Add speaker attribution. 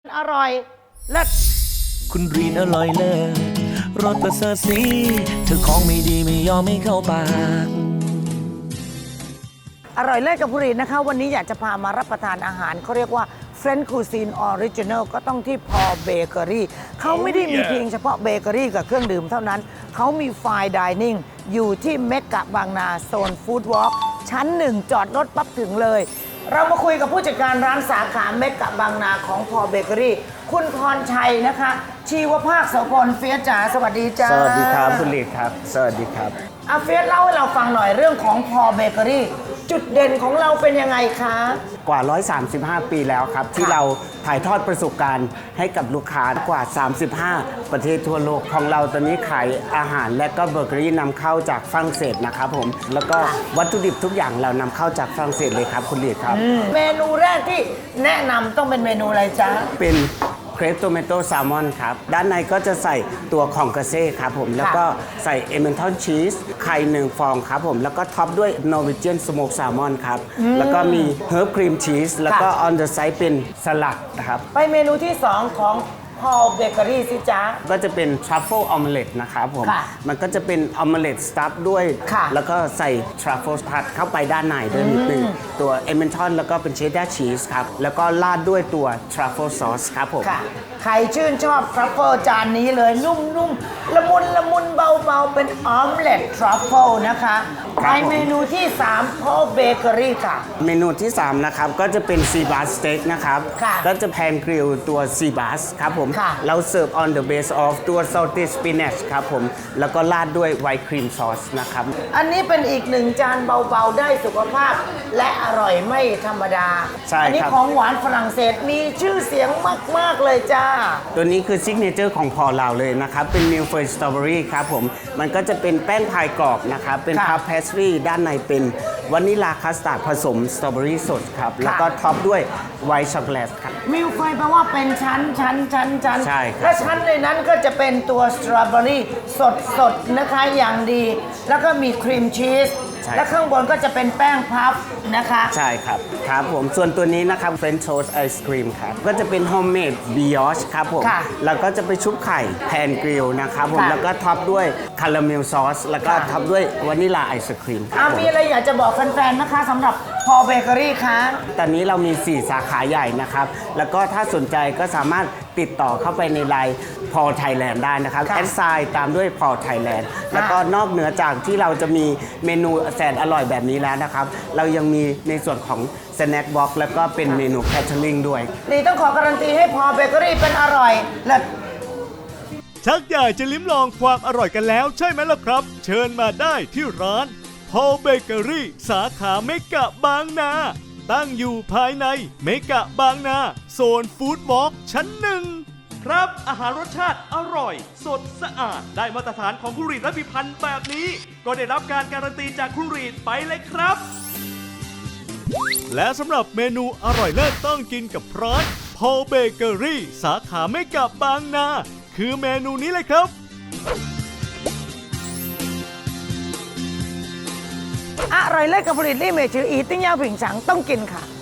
Speaker 1: อร่อยเลิศ
Speaker 2: คุณรีนอร่อยเลิศรสประเสริฐสีเธอของไม่ดีไม่ยอมไม่เข้าปาก
Speaker 1: อร่อยเลิศกับผู้รีนนะคะวันนี้อยากจะพามารับประทานอาหารเขาเรียกว่า French Cuisine Original ก็ต้องที่พอเบเกอรี่เขาไม่ได้มีเพียงเฉพาะเบเกอรี่กับเครื่องดื่มเท่านั้นเขามีไฟน์ไดนิ่งอยู่ที่เมกะบางนาโซนฟู้ดวอล์กชั้น 1 จอดรถปั๊บถึงเลยเรามาคุยกับผู้จัดการร้านสาขาเมกะบางนาของพอเบเกอรี่คุณพรชัยนะคะชีวภาคโสพลเฟียสจ๋าสวัสดีจ้า
Speaker 3: สวัสดีครับคุณลีดครับสวัสดีครับ
Speaker 1: อาเฟียสเล่าให้เราฟังหน่อยเรื่องของพอเบเกอรี่จุดเด่นของเราเป็นยังไงคะ
Speaker 3: กว่า135 ปีแล้วครับที่เราถ่ายทอดประสบการณ์ให้กับลูกค้ากว่า35ประเทศทั่วโลกของเราตอนนี้ขายอาหารและก็เบเกอรี่นำเข้าจากฝรั่งเศสนะครับผมแล้วก็วัตถุดิบทุกอย่างเรานำเข้าจากฝรั่งเศสเลยครับคุณลีดครับ
Speaker 1: เมนูแรกที่แนะนำต้องเป็นเมนูอะไรจ๊ะ
Speaker 3: เป็นเครปโตเมโต้แซลมอนครับด้านในก็จะใส่ตัวของกระเซ่ครับผมแล้วก็ใส่เอเมนทอนชีสไข่1 ฟองครับผมแล้วก็ท็อปด้วยนอร์เวเจียนสโมกแซลมอนครับแล้วก็มีเฮิร์บครีมชีสแล้วก็ออนเดอะไซด์เป็นสลัดนะครับ
Speaker 1: ไปเมนูที่ 2 ของพอเบเกอรี่สิจ๊ะ
Speaker 3: ก็จะเป็นทรัฟเฟิลออมเล็ตนะครับผมมันก็จะเป็นออมเล็ตสตัฟด้วยแล้วก็ใส่ทรัฟเฟิลผัดเข้าไปด้านในด้วยนิดนึงตัวเอเมนทอนแล้วก็เป็นเชดดาร์ชีสครับแล้วก็ราดด้วยตัวทรัฟเฟิลซอสครับผม
Speaker 1: ใครชื่นชอบทรัฟเฟิลจานนี้เลยนุ่มๆละมุนเบาๆเป็นออมเล็ตทรัฟเฟิลนะคะไปเมนูที่3พอเบเกอรี่ค่ะ
Speaker 3: เมนูที่3นะครับก็จะเป็นซีบาสสเต็กนะครับก็จะแพนกริลตัวซีบาสครับผมเราเสิร์ฟ on the base of ตัว salty spinach ครับผมแล้วก็ราดด้วยไวท์ครีมซอสนะครับ
Speaker 1: อันนี้เป็นอีก1 จานเบาๆได้สุขภาพและอร่อยไม่ธรรมดา
Speaker 3: ใช่ครับอันนี้
Speaker 1: ของหวานฝรั่งเศสมีชื่อเสียงมากๆเลยจ้า
Speaker 3: ตัวนี้คือซิกเนเจอร์ของพอเราเลยนะครับเป็นมิลเฟอร์สตรอเบอรี่ครับผมมันก็จะเป็นแป้งพายกรอบนะครับเป็นพับเพสทรีด้านในเป็นวานิลาคัสตาร์ดผสมสตรอเบอรี่สดครับแล้วก็ท็อปด้วยไวท์ช็อกโกแลตครับ
Speaker 1: มิลเฟยแปลว่าเป็นชั้น
Speaker 3: ใช่ครับ
Speaker 1: และชั้นในนั้นก็จะเป็นตัวสตรอเบอรี่สดนะคะอย่างดีแล้วก็มีครีมชีสและข้างบนก็จะเป็นแป้งพับนะคะ
Speaker 3: ใช่ครับครับผมส่วนตัวนี้นะครับเฟรนช์โทสต์ไอศครีมครับก็จะเป็นโฮมเมดบิออชครับผมแล้วก็จะไปชุบไข่แพนกริลนะครับผมแล้วก็ท็อปด้วยคาราเมลซอสแล้วก็ท็อปด้วยวานิลาไอศครีม
Speaker 1: มีอะไรอยากจะบอกแฟนๆนะคะสำหรับพอเบเกอรี่คะ
Speaker 3: ตอนนี้เรามี4 สาขาใหญ่นะครับแล้วก็ถ้าสนใจก็สามารถติดต่อเข้าไปในไลน์พอไทยแลนด์ได้นะครับแอดไซน์ตามด้วยพอไทยแลนด์แล้วก็นอกเหนือจากที่เราจะมีเมนูแสนอร่อยแบบนี้แล้วนะครับเรายังมีในส่วนของสแน็คบ็อกซ์แล้วก็เป็นเมนูแคทเทอริงด้วย
Speaker 1: นี่ต้องขอการันตีให้พอเบเกอรี่เป็นอร่อยและ
Speaker 4: ชักอยากจะลิ้มลองความอร่อยกันแล้วใช่ไหมล่ะครับเชิญมาได้ที่ร้านพอเบเกอรี่สาขาเมกะบางนาตั้งอยู่ภายในเมกะบางนาโซนฟู้ดวอล์กชั้น 1ครับอาหารรสชาติอร่อยสดสะอาดได้มาตรฐานของคุณรีดและพิพันธ์แบบนี้ก็ได้รับการการันตีจากคุณรีดไปเลยครับและสำหรับเมนูอร่อยเลิศต้องกินกับร้านพอเบเกอรี่สาขาเมกะบางนาคือเมนูนี้เลยครับ
Speaker 1: อร่อยเลิศกับผลิตลี่เมจืออีติ้งย่าผิงฉังต้องกินค่ะ